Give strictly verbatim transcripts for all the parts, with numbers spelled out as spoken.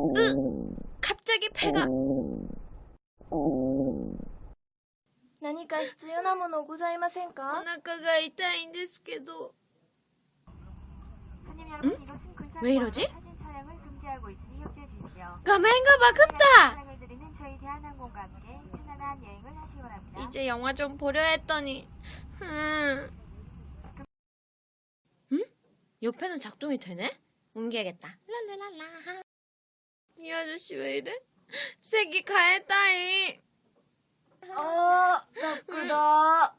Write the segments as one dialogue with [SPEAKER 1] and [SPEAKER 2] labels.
[SPEAKER 1] 으! 갑자기 배가.
[SPEAKER 2] 何か必要なものございません
[SPEAKER 1] お
[SPEAKER 2] か?
[SPEAKER 1] 腹が痛いんですけど.
[SPEAKER 3] 응?
[SPEAKER 1] 왜 이러지?
[SPEAKER 3] 사진 촬영을 금지하고 있으니 협조해 주십시오.
[SPEAKER 1] 가면가 바꿨다.
[SPEAKER 3] 촬영을 드리는 저희 대한항공과 함께 편안한 여행을 하시기 바랍니다.
[SPEAKER 1] 이제 영화 좀 보려 했더니. 음. 응? 옆에는 작동이 되네? 옮겨야겠다. 랄랄랄라. 이 아저씨 왜 이래? 색이 가했다이.
[SPEAKER 2] 아, 나쁘다.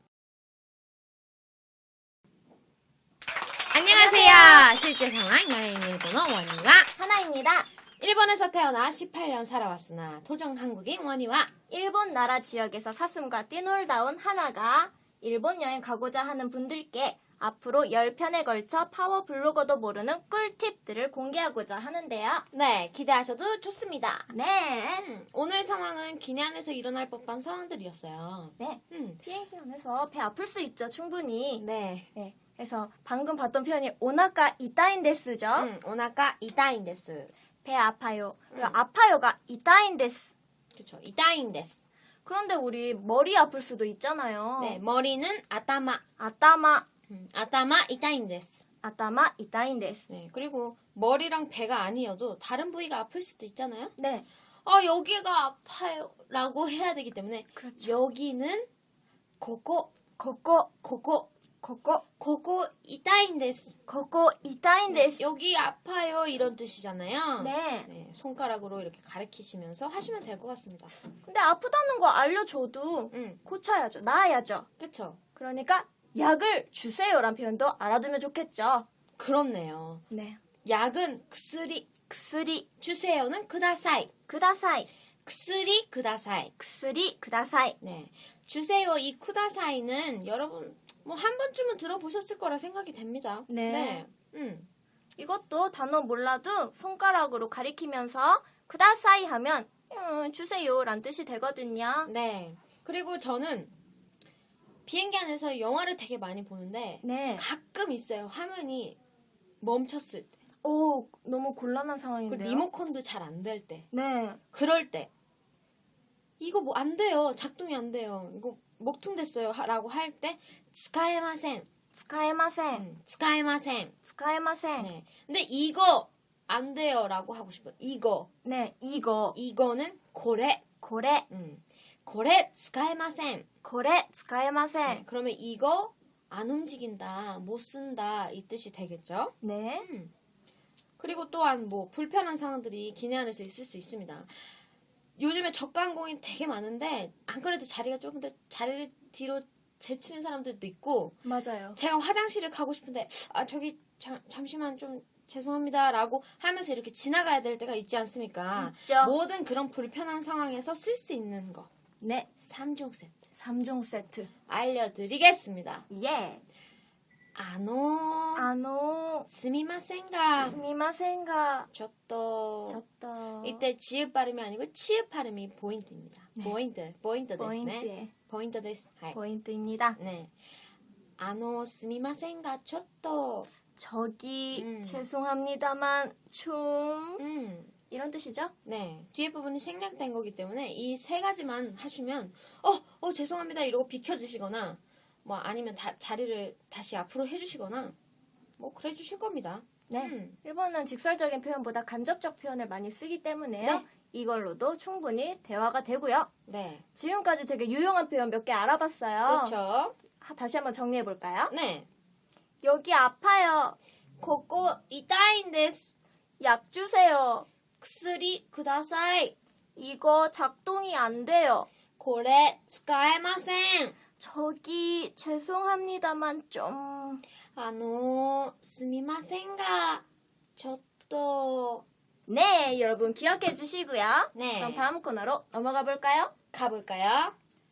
[SPEAKER 1] 안녕하세요. 실제 상황 여행 일본어 원희와
[SPEAKER 2] 하나입니다.
[SPEAKER 1] 일본에서 태어나 십팔 년 살아왔으나 토종 한국인 원희와
[SPEAKER 2] 일본 나라 지역에서 사슴과 뛰놀다 온 하나가 일본 여행 가고자 하는 분들께 앞으로 십 편에 걸쳐 파워 블로거도 모르는 꿀팁들을 공개하고자 하는데요.
[SPEAKER 1] 네, 기대하셔도 좋습니다.
[SPEAKER 2] 네.
[SPEAKER 1] 음, 오늘 상황은 기내 안에서 일어날 법한 상황들이었어요.
[SPEAKER 2] 네.
[SPEAKER 1] 음,
[SPEAKER 2] 비행기 안에서 배 아플 수 있죠, 충분히.
[SPEAKER 1] 네.
[SPEAKER 2] 네. 그래서 방금 봤던 표현이 오나카 이타인데스죠.
[SPEAKER 1] 음, 오나카 이타인데스.
[SPEAKER 2] 배 아파요. 그리고 아파요가 이타인데스.
[SPEAKER 1] 그렇죠. 이타인데스.
[SPEAKER 2] 그런데 우리 머리 아플 수도 있잖아요.
[SPEAKER 1] 네, 머리는 아타마.
[SPEAKER 2] 아따마,
[SPEAKER 1] 음, 아타마 이타인데스.
[SPEAKER 2] 아따마 이타인데스.
[SPEAKER 1] 네, 그리고 머리랑 배가 아니어도 다른 부위가 아플 수도 있잖아요.
[SPEAKER 2] 네.
[SPEAKER 1] 아, 여기가 아파요. 라고 해야 되기 때문에
[SPEAKER 2] 그렇죠.
[SPEAKER 1] 여기는 고고,
[SPEAKER 2] 고고,
[SPEAKER 1] 고고,
[SPEAKER 2] 고고,
[SPEAKER 1] 고고 이타인데스.
[SPEAKER 2] 고고 이타인데스.
[SPEAKER 1] 여기 아파요. 이런 뜻이잖아요.
[SPEAKER 2] 네.
[SPEAKER 1] 네, 손가락으로 이렇게 가리키시면서 하시면 될 것 같습니다.
[SPEAKER 2] 근데 아프다는 거 알려줘도
[SPEAKER 1] 음,
[SPEAKER 2] 고쳐야죠. 나아야죠.
[SPEAKER 1] 그쵸.
[SPEAKER 2] 그러니까 약을 주세요란 표현도 알아두면 좋겠죠.
[SPEAKER 1] 그렇네요.
[SPEAKER 2] 네.
[SPEAKER 1] 약은薬,
[SPEAKER 2] 薬,
[SPEAKER 1] 주세요는 쿠다사이.
[SPEAKER 2] 쿠다사이,
[SPEAKER 1] 薬 쿠다사이.
[SPEAKER 2] 薬, 쿠다사이.
[SPEAKER 1] 네. 주세요 이 쿠다사이는 여러분 뭐 한 번쯤은 들어보셨을 거라 생각이 됩니다.
[SPEAKER 2] 네.
[SPEAKER 1] 음.
[SPEAKER 2] 이것도 단어 몰라도 손가락으로 가리키면서 쿠다사이 하면 음, 주세요란 뜻이 되거든요.
[SPEAKER 1] 네. 그리고 저는 비행기 안에서 영화를 되게 많이 보는데
[SPEAKER 2] 네.
[SPEAKER 1] 가끔 있어요. 화면이 멈췄을 때.
[SPEAKER 2] 오, 너무 곤란한
[SPEAKER 1] 그
[SPEAKER 2] 상황인데요.
[SPEAKER 1] 리모컨도 잘 안 될 때.
[SPEAKER 2] 네.
[SPEAKER 1] 그럴 때. 이거 뭐 안 돼요. 작동이 안 돼요. 이거 목퉁됐어요. 라고 할 때 스카에마센.
[SPEAKER 2] 使えません.
[SPEAKER 1] 음, 스카에마센.
[SPEAKER 2] 使えません.
[SPEAKER 1] 네. 근데 이거 안 돼요라고 하고 싶어요. 이거.
[SPEAKER 2] 네, 이거,
[SPEAKER 1] 이거는 고래.
[SPEAKER 2] これ,
[SPEAKER 1] 음. 고래 使えません.
[SPEAKER 2] これ使えませ
[SPEAKER 1] 네,
[SPEAKER 2] ん.
[SPEAKER 1] 그러면 이거 안 움직인다, 못 쓴다 이 뜻이 되겠죠?
[SPEAKER 2] 네.
[SPEAKER 1] 음. 그리고 또한 뭐 불편한 상황들이 기내 안에서 있을 수 있습니다. 요즘에 저가 항공이 되게 많은데 안 그래도 자리가 조금 더 자리를 뒤로 제치는 사람들도 있고
[SPEAKER 2] 맞아요.
[SPEAKER 1] 제가 화장실을 가고 싶은데 아 저기 자, 잠시만 좀 죄송합니다 라고 하면서 이렇게 지나가야 될 때가 있지 않습니까?
[SPEAKER 2] 있죠.
[SPEAKER 1] 모든 그런 불편한 상황에서 쓸 수 있는 거
[SPEAKER 2] 네.
[SPEAKER 1] 삼 종 세트
[SPEAKER 2] 삼 종 세트.
[SPEAKER 1] 알려드리겠습니다.
[SPEAKER 2] 예.
[SPEAKER 1] 아노
[SPEAKER 2] あの、
[SPEAKER 1] 스미마센가
[SPEAKER 2] すみませんが、
[SPEAKER 1] 저또
[SPEAKER 2] ちょっと、
[SPEAKER 1] 이때 지읒 발음이 아니고 치읒 발음이 포인트입니다. 포인트, 포인트
[SPEAKER 2] ポイン
[SPEAKER 1] 데스네.
[SPEAKER 2] ト、
[SPEAKER 1] 포인트 데스. 하이.
[SPEAKER 2] ポイント입니다.
[SPEAKER 1] 네. 아노 스미마센가 저또
[SPEAKER 2] 저기,
[SPEAKER 1] 음.
[SPEAKER 2] 죄송합니다만, 좀,
[SPEAKER 1] 음.
[SPEAKER 2] 이런 뜻이죠?
[SPEAKER 1] 네. 뒤에 부분이 생략된 거기 때문에 이 세 가지만 하시면 어, 어 죄송합니다 이러고 비켜주시거나 뭐 아니면 다, 자리를 다시 앞으로 해주시거나 뭐 그래 주실 겁니다.
[SPEAKER 2] 네.
[SPEAKER 1] 음.
[SPEAKER 2] 일본은 직설적인 표현보다 간접적 표현을 많이 쓰기 때문에요.
[SPEAKER 1] 네.
[SPEAKER 2] 이걸로도 충분히 대화가 되고요.
[SPEAKER 1] 네.
[SPEAKER 2] 지금까지 되게 유용한 표현 몇 개 알아봤어요.
[SPEAKER 1] 그렇죠.
[SPEAKER 2] 하- 다시 한번 정리해 볼까요?
[SPEAKER 1] 네.
[SPEAKER 2] 여기 아파요.
[SPEAKER 1] 고고 이타인데스.
[SPEAKER 2] 약 주세요.
[SPEAKER 1] 쿠스리 쿠다사이.
[SPEAKER 2] 이거 작동이 안 돼요.
[SPEAKER 1] 고래 스카에마센.
[SPEAKER 2] 저기 죄송합니다만 좀
[SPEAKER 1] 아노 스미마센가 저또
[SPEAKER 2] 네, 여러분 기억해 주시고요.
[SPEAKER 1] 네.
[SPEAKER 2] 그럼 다음 코너로 넘어가 볼까요?
[SPEAKER 1] 가볼까요?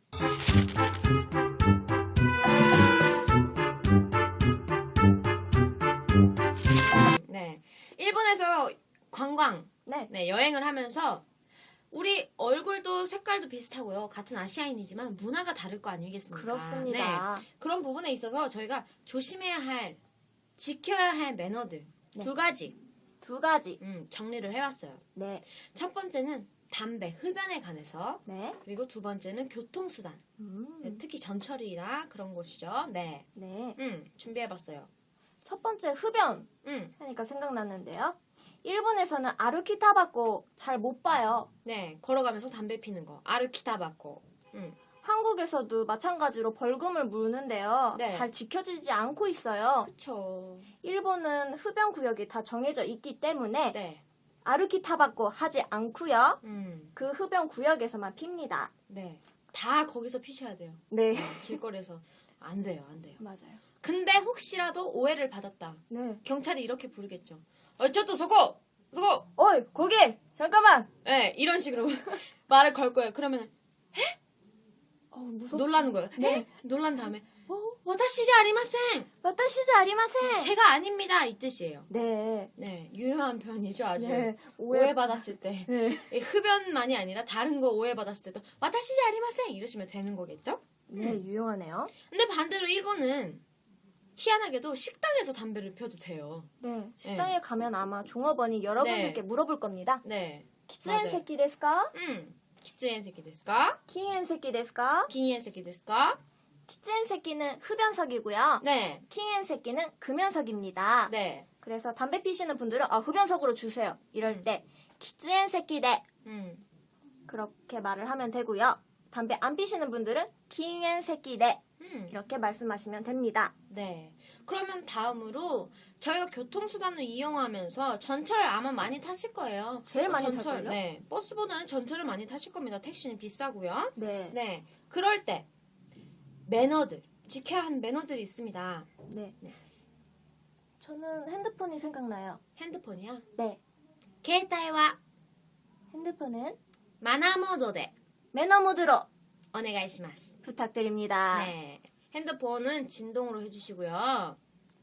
[SPEAKER 1] 네. 일본에서 관광,
[SPEAKER 2] 네.
[SPEAKER 1] 네, 여행을 하면서 우리 얼굴도 색깔도 비슷하고요. 같은 아시아인이지만 문화가 다를 거 아니겠습니까?
[SPEAKER 2] 그렇습니다.
[SPEAKER 1] 네. 그런 부분에 있어서 저희가 조심해야 할, 지켜야 할 매너들 두 가지
[SPEAKER 2] 두 가지.
[SPEAKER 1] 음, 정리를 해왔어요.
[SPEAKER 2] 네.
[SPEAKER 1] 첫 번째는 담배, 흡연에 관해서,
[SPEAKER 2] 네.
[SPEAKER 1] 그리고 두 번째는 교통수단,
[SPEAKER 2] 음.
[SPEAKER 1] 네, 특히 전철이나 그런 곳이죠. 네,
[SPEAKER 2] 네.
[SPEAKER 1] 음, 준비해봤어요.
[SPEAKER 2] 첫 번째 흡연
[SPEAKER 1] 음,
[SPEAKER 2] 하니까 생각났는데요. 일본에서는 아루키 타바코 잘 못 봐요.
[SPEAKER 1] 네, 걸어가면서 담배 피는 거, 아르키타바코. 음,
[SPEAKER 2] 한국에서도 마찬가지로 벌금을 물는데요.
[SPEAKER 1] 네.
[SPEAKER 2] 잘 지켜지지 않고 있어요.
[SPEAKER 1] 그쵸.
[SPEAKER 2] 일본은 흡연 구역이 다 정해져 있기 때문에
[SPEAKER 1] 네,
[SPEAKER 2] 아루키 타바코 하지 않고요.
[SPEAKER 1] 음,
[SPEAKER 2] 그 흡연 구역에서만 핍니다.
[SPEAKER 1] 네, 다 거기서 피셔야 돼요.
[SPEAKER 2] 네.
[SPEAKER 1] 길거리에서 안 돼요, 안 돼요.
[SPEAKER 2] 맞아요.
[SPEAKER 1] 근데 혹시라도 오해를 받았다.
[SPEAKER 2] 네.
[SPEAKER 1] 경찰이 이렇게 부르겠죠. 어, 저또 서고, 서고.
[SPEAKER 2] 어이, 거기! 잠깐만!
[SPEAKER 1] 네, 이런 식으로 말을 걸 거예요. 그러면
[SPEAKER 2] 어, 무섭
[SPEAKER 1] 놀라는 거예요.
[SPEAKER 2] 네.
[SPEAKER 1] 네, 놀란 다음에
[SPEAKER 2] 어?
[SPEAKER 1] 와타시지 아리마생.
[SPEAKER 2] 와타시지 아리마센!
[SPEAKER 1] 제가 아닙니다 이 뜻이에요.
[SPEAKER 2] 네.
[SPEAKER 1] 네, 유효한 표현이죠 아주.
[SPEAKER 2] 네.
[SPEAKER 1] 오해 받았을 때
[SPEAKER 2] 네.
[SPEAKER 1] 이 흡연만이 아니라 다른 거 오해 받았을 때도 와타시지 아리마생 이러시면 되는 거겠죠?
[SPEAKER 2] 네, 유용하네요.
[SPEAKER 1] 근데 반대로 일본은 희한하게도 식당에서 담배를 펴도 돼요.
[SPEAKER 2] 네. 식당에 가면 아마 종업원이 여러분들께
[SPEAKER 1] 네.
[SPEAKER 2] 물어볼 겁니다.
[SPEAKER 1] 네.
[SPEAKER 2] 키츠엔
[SPEAKER 1] 맞아요.
[SPEAKER 2] 새끼 데스까?
[SPEAKER 1] 음. 키츠엔 새끼 데스까?
[SPEAKER 2] 킹엔 새끼 데스까?
[SPEAKER 1] 기니엔 새끼 데스까?
[SPEAKER 2] 키츠엔 새끼는 흡연석이고요.
[SPEAKER 1] 네.
[SPEAKER 2] 킹엔 새끼는 금연석입니다.
[SPEAKER 1] 네.
[SPEAKER 2] 그래서 담배 피시는 분들은 아, 흡연석으로 주세요. 이럴 때 키츠엔 새끼대
[SPEAKER 1] 음.
[SPEAKER 2] 그렇게 말을 하면 되고요. 담배 안 피시는 분들은 킹엔 새끼대
[SPEAKER 1] 음.
[SPEAKER 2] 이렇게 말씀하시면 됩니다.
[SPEAKER 1] 네. 그러면 다음으로 저희가 교통수단을 이용하면서 전철 아마 많이 타실 거예요.
[SPEAKER 2] 제일
[SPEAKER 1] 어,
[SPEAKER 2] 많이
[SPEAKER 1] 전철,
[SPEAKER 2] 탈걸요?
[SPEAKER 1] 네. 버스보다는 전철을 많이 타실 겁니다. 택시는 비싸고요.
[SPEAKER 2] 네.
[SPEAKER 1] 네. 그럴 때 매너들, 지켜야 하는 매너들이 있습니다.
[SPEAKER 2] 네.
[SPEAKER 1] 네.
[SPEAKER 2] 저는 핸드폰이 생각나요.
[SPEAKER 1] 핸드폰이요.
[SPEAKER 2] 네.
[SPEAKER 1] 携帯は
[SPEAKER 2] 핸드폰은
[SPEAKER 1] マナーモードで
[SPEAKER 2] 매너 모드로
[SPEAKER 1] お願いします.
[SPEAKER 2] 부탁드립니다.
[SPEAKER 1] 네. 핸드폰은 진동으로 해주시고요.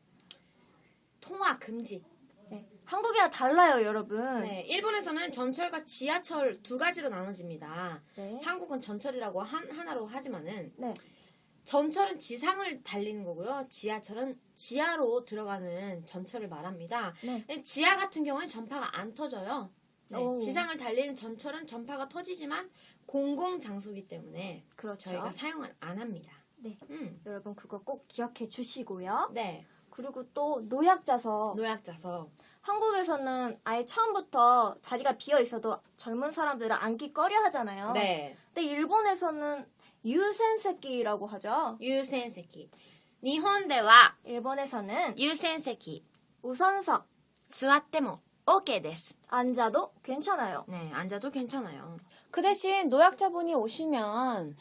[SPEAKER 1] 통화 금지.
[SPEAKER 2] 네. 한국이랑 달라요, 여러분.
[SPEAKER 1] 네. 일본에서는 전철과 지하철 두 가지로 나눠집니다.
[SPEAKER 2] 네.
[SPEAKER 1] 한국은 전철이라고 한, 하나로 하지만은
[SPEAKER 2] 네.
[SPEAKER 1] 전철은 지상을 달리는 거고요. 지하철은 지하로 들어가는 전철을 말합니다.
[SPEAKER 2] 네.
[SPEAKER 1] 근데 지하 같은 경우는 전파가 안 터져요. 네.
[SPEAKER 2] 오.
[SPEAKER 1] 지상을 달리는 전철은 전파가 터지지만 공공 장소이기 때문에
[SPEAKER 2] 그렇죠.
[SPEAKER 1] 저희가 사용을 안 합니다.
[SPEAKER 2] 네.
[SPEAKER 1] 음.
[SPEAKER 2] 여러분 그거 꼭 기억해 주시고요.
[SPEAKER 1] 네.
[SPEAKER 2] 그리고 또 노약자석.
[SPEAKER 1] 노약자석.
[SPEAKER 2] 한국에서는 아예 처음부터 자리가 비어 있어도 젊은 사람들은 앉기 꺼려 하잖아요.
[SPEAKER 1] 네.
[SPEAKER 2] 근데 일본에서는 유센세키라고 하죠.
[SPEAKER 1] 유센세키. 일본では
[SPEAKER 2] 일본에서는
[SPEAKER 1] 유센세키
[SPEAKER 2] 우선석
[SPEAKER 1] 座っても 오케이 です.
[SPEAKER 2] 앉아도 괜찮아요.
[SPEAKER 1] 네, 앉아도 괜찮아요. 그 대신 노약자분이 오시면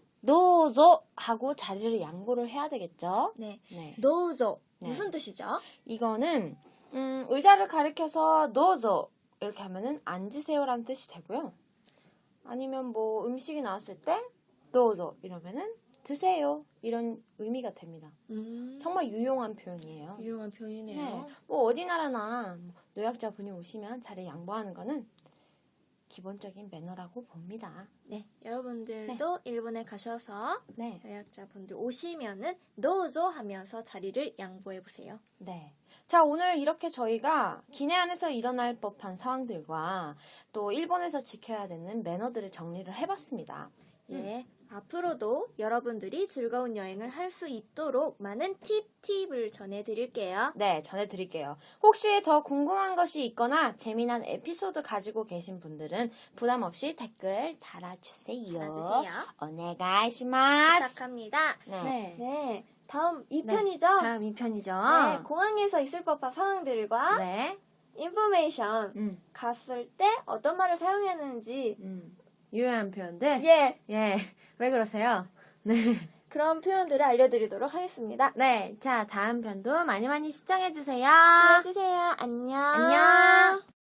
[SPEAKER 1] 노조 하고 자리를 양보를 해야 되겠죠?
[SPEAKER 2] 네.
[SPEAKER 1] 네.
[SPEAKER 2] 노조
[SPEAKER 1] 네.
[SPEAKER 2] 무슨 뜻이죠?
[SPEAKER 1] 이거는 음, 의자를 가리켜서 노조 이렇게 하면은 앉으세요라는 뜻이 되고요. 아니면 뭐 음식이 나왔을 때 노조 이러면은 드세요 이런 의미가 됩니다.
[SPEAKER 2] 음,
[SPEAKER 1] 정말 유용한 표현이에요.
[SPEAKER 2] 유용한 표현이네요.
[SPEAKER 1] 네. 뭐 어디 나라나 뭐 노약자분이 오시면 자리 양보하는 거는 기본적인 매너라고 봅니다.
[SPEAKER 2] 네, 여러분들도 일본에 가셔서
[SPEAKER 1] 네.
[SPEAKER 2] 여약자분들 오시면은 노조 하면서 자리를 양보해 보세요.
[SPEAKER 1] 네. 자, 오늘 이렇게 저희가 기내 안에서 일어날 법한 상황들과 또 일본에서 지켜야 되는 매너들을 정리를 해봤습니다.
[SPEAKER 2] 예, 앞으로도 여러분들이 즐거운 여행을 할 수 있도록 많은 팁, 팁을 전해드릴게요.
[SPEAKER 1] 네, 전해드릴게요. 혹시 더 궁금한 것이 있거나 재미난 에피소드 가지고 계신 분들은 부담 없이 댓글 달아주세요.
[SPEAKER 2] 달아주세요.
[SPEAKER 1] 오네가이시마스.
[SPEAKER 2] 부탁합니다.
[SPEAKER 1] 네.
[SPEAKER 2] 네, 다음 이
[SPEAKER 1] 네,
[SPEAKER 2] 편이죠?
[SPEAKER 1] 다음 이 편이죠.
[SPEAKER 2] 네, 공항에서 있을 법한 상황들과
[SPEAKER 1] 네.
[SPEAKER 2] 인포메이션
[SPEAKER 1] 음,
[SPEAKER 2] 갔을 때 어떤 말을 사용했는지
[SPEAKER 1] 음. 유용한 표현들.
[SPEAKER 2] 예,
[SPEAKER 1] 예. 왜 그러세요? 네.
[SPEAKER 2] 그런 표현들을 알려드리도록 하겠습니다.
[SPEAKER 1] 네. 자, 다음 편도 많이 많이 시청해주세요.
[SPEAKER 2] 해주세요. 안녕.
[SPEAKER 1] 안녕.